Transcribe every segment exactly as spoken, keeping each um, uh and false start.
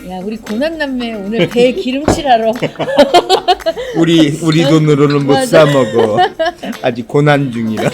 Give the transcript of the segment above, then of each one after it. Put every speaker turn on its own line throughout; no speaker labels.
야, 우리 고난남매 오늘 배 기름칠하러.
우리 우리 돈으로는 못
맞아.
사 먹어. 아직 고난 중이라.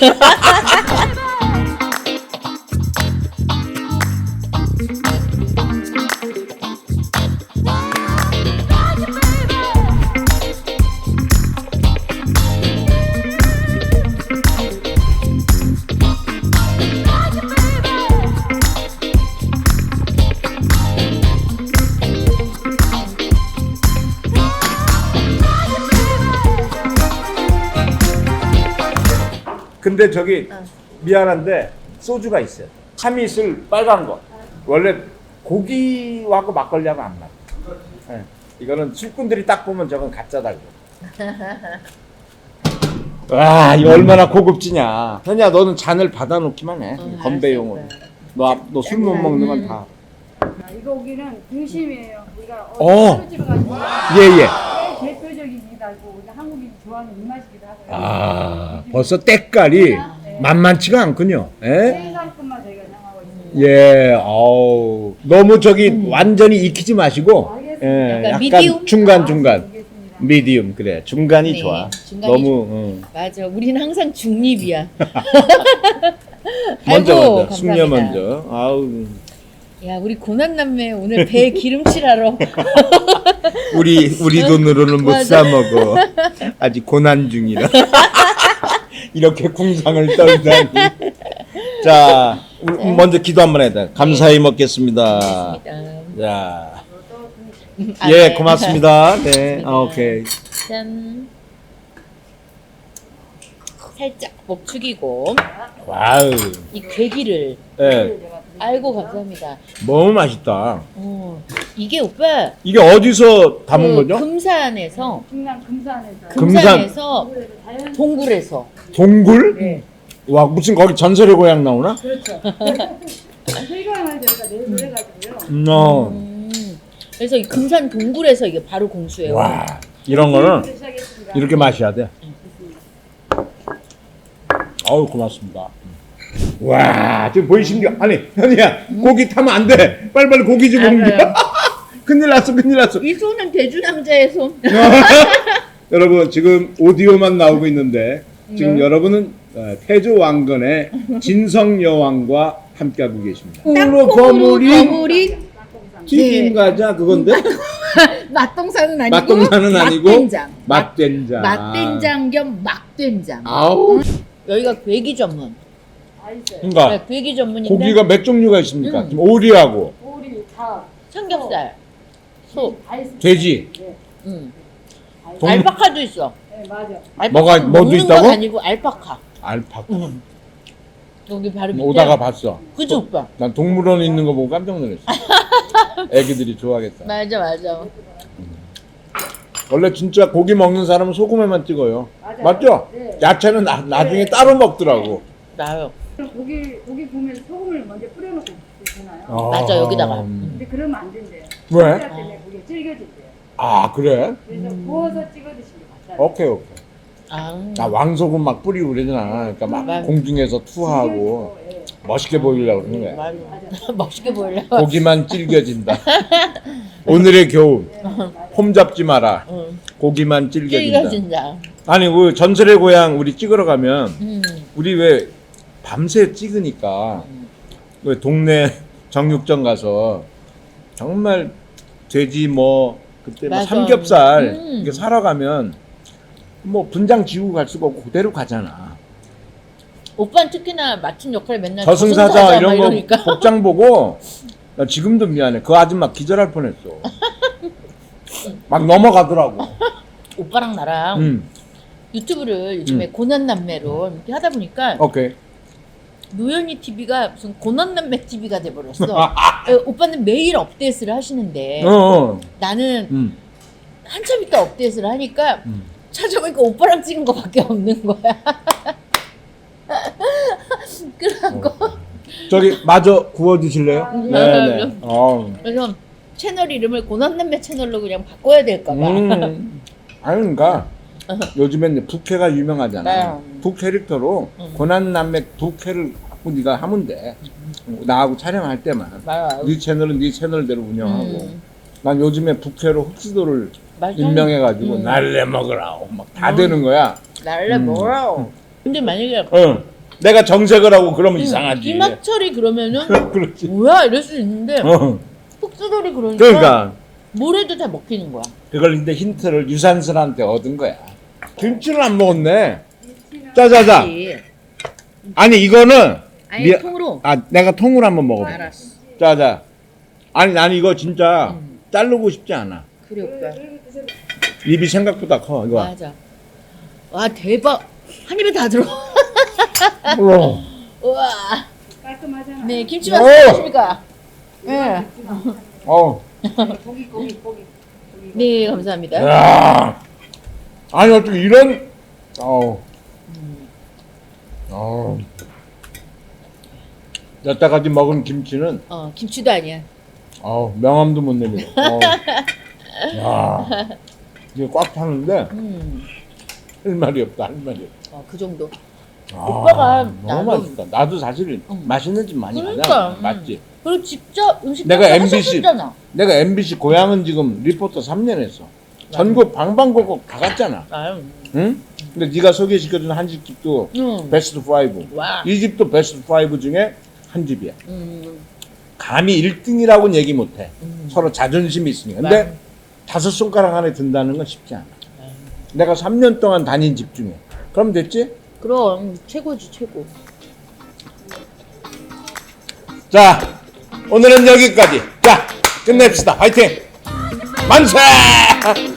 근데 저기 미안한데 소주가 있어요. 참이슬 빨간 거. 원래 고기하고 막걸리하고 안 맞아. 네. 이거는 술꾼들이 딱 보면 저건 가짜 달고. 와, 이거 얼마나 고급지냐. 현야, 너는 잔을 받아놓기만 해.
응,
건배용으로.
알았어,
너 술 못 먹는 건 다.
아, 이 고기는 등심이에요. 우리가
어.
어디 집에 가서
예, 예.
제일 대표적이기도 하고 우리 한국인이 좋아하는 입맛이기도 하고요.
아, 벌써 때깔이
네.
만만치가 않군요. 예?
생산품만 저희가 향하고 있습니다.
예, 어우. 너무 저기 완전히 익히지 마시고,
알겠습니다.
예,
약간
약간
미디움?
중간, 중간.
알겠습니다.
미디움, 그래. 중간이
네,
좋아.
중간이
너무, 응.
맞아. 우리는 항상 중립이야.
먼저,
아이고,
먼저. 숙녀
감사합니다.
먼저. 아우.
야, 우리 고난남매 오늘 배 기름칠하러.
우리, 우리 돈으로는 못
맞아.
사 먹어. 아직 고난 중이라. 이렇게 궁상을 떨다니. 자, 우리
네.
먼저 기도 한번 해야 돼. 감사히 먹겠습니다.
고맙습니다.
자.
아,
예,
네.
고맙습니다. 네, 아, 오케이.
짠. 살짝 목 축이고
와우.
이 괴기를.
예,
아이고 감사합니다.
너무 맛있다.
어, 이게 오빠
이게 어디서 담은
그
거죠?
금산에서
중남 금산에서
금-
금산에서
그래서 자연
동굴에서.
동굴?
네.
와, 무슨 거기 전설의 고향 나오나?
그렇죠. 실감을 저희가 내서 해가지고요.
음, 어.
음, 그래서 이 금산 동굴에서 이게 바로 공수예요.
와, 이런 거는
시작했습니다.
이렇게 마셔야 돼. 아우, 고맙습니다. 와, 지금 보이십니까? 아니, 현이야, 고기 타면 안 돼. 빨리빨리 고기 좀 옮겨.
알아요.
큰일 났어, 큰일 났어.
이 손은 대주 남자의 손.
여러분, 지금 오디오만 나오고 있는데, 지금
네.
여러분은 어, 태조 왕건의 진성 여왕과 함께하고 계십니다.
땅콩으로
거물이
거물이
튀김 과자 그건데?
맛동산은 아니고
맛동산은 아니고
맛된장.
맛된장.
맛된장 겸 막된장.
아우.
여기가 괴기 전문.
다 있어요.
그러니까
네, 괴기 전문인데
고기가 몇 종류가 있습니까?
음.
지금 오리하고
오리, 닭,
삼겹살, 소,
다 있습니다.
돼지.
네,
음.
다 있-
동-
알파카도 있어.
네, 맞아.
알파카
뭐가- 뭐도
먹는
있다고?
건 아니고 알파카.
알파카.
음. 여기 바로 밑에.
오다가 봤어.
그죠 오빠?
난 동물원에 있는 거 보고 깜짝 놀랐어. 애기들이 좋아하겠다.
맞아 맞아.
원래 진짜 고기 먹는 사람은 소금에만 찍어요.
맞아요.
맞죠?
네.
야채는 나, 나중에
네.
따로 먹더라고.
나요.
그럼 고기 고기 구우면 소금을 먼저 뿌려놓고 드시나요?
어.
맞아, 여기다가.
음.
근데 그러면 안 된대요.
왜?
쌀 때문에 그게 질겨진대요.
아, 그래?
그래서 구워서 찍어 드시는 게 맞아요.
오케이, 오케이.
아,
나 왕소금 막 뿌리고 그러잖아. 그러니까 막
맞아.
공중에서 투하하고
예.
멋있게 보이려고 그러는 거야.
맞아. 멋있게 보이려고.
고기만 질겨진다. 오늘의 교훈. 폼 잡지 마라.
응.
고기만 질겨진다.
찔겨진다.
아니, 그 전설의 고향 우리 찍으러 가면
음.
우리 왜 밤새 찍으니까 왜 동네 정육점 가서 정말 돼지 뭐 그때 뭐
맞아.
삼겹살
음.
이렇게 사러 가면 뭐 분장 지우고 갈 수가 없고 그대로 가잖아.
오빠는 특히나 맡은 역할 맨날
저승사자
막
이런 거
이러니까.
복장 보고 나 지금도 미안해. 그 아줌마 기절할 뻔했어. 막 넘어가더라고.
오빠랑 나랑
음,
유튜브를 요즘에
음.
고난남매로 이렇게 하다 보니까
오케이.
노현이 티비가 무슨 고난남매 티비가 돼버렸어. 에, 오빠는 매일 업데이트를 하시는데
어, 어.
나는
음,
한참 있다 업데이트를 하니까
음.
찾아보니까 오빠랑 찍은 거밖에 없는 거야. 그래갖고
저기 마저 구워 주실래요?
아,
네, 네. 어.
그래서 채널 이름을 고난남매 채널로 그냥 바꿔야 될까 봐.
음. 아니 그러니까 요즘엔 부캐가 유명하잖아.
네.
부 캐릭터로
음.
고난남매 부캐를 갖고 네가 하면 돼. 나하고 촬영할 때만.
맞아.
네 채널은 네 채널대로 운영하고.
음.
난 요즘에 북해로 흑수도를
맞아.
임명해가지고
음.
날래 먹으라고 막 다
음.
되는 거야.
날래
음.
뭐라고. 근데 만약에
응. 내가 정색을 하고 그러면
음,
이상하지.
김학철이 그러면은
그렇지.
뭐야 이럴 수 있는데
어.
흑수돌이 그러니까,
그러니까
뭘 해도 다 먹히는 거야.
그걸 근데 힌트를 유산슬한테 얻은 거야. 김치를 안 먹었네. 자자자.
그치?
아니 이거는
아니
미안-
통으로.
아 내가 통으로 한번 먹어봐.
알았어.
자자. 아니 난 이거 진짜
음.
자르고 싶지 않아.
그래 오빠.
입이 생각보다 커 이거.
맞아. 와 대박. 한 입에 다 들어.
우와.
우와.
깔끔하잖아.
네 김치
오!
맛 어떠십니까? 네.
어.
고기 고기 고기. 고기.
네 감사합니다.
야. 아니 어떻게 이런. 어우. 어우. 여태까지 먹은 김치는
어 김치도 아니야.
어우 명함도 못 내밀어. 어우. 야. 이게 꽉 차는데
음.
할 말이 없다 할 말이 없다.
어, 그 정도.
아,
오빠가
너무
나도-
맛있다. 나도 사실
응.
맛있는 집 많이
그러니까,
가잖아.
음.
맞지?
그리고 직접 음식
내가
하면서
엠비씨
하셨잖아.
내가 엠비씨 고향은 지금 리포터 삼 년 했어. 전국 방방곡곡 다 갔잖아.
아유.
응? 근데 네가 소개시켜준 한식집도
음.
베스트 파이브.
와.
이 집도 베스트 파이브 중에 한 집이야.
음.
감히 일 등이라고는 얘기 못해.
음.
서로 자존심이 있으니까. 근데
맞아.
다섯 손가락 안에 든다는 건 쉽지 않아.
네.
내가 삼 년 동안 다닌 집 중에. 그럼 됐지?
그럼 최고지 최고.
자, 오늘은 여기까지. 자, 끝냅시다. 화이팅! 만세!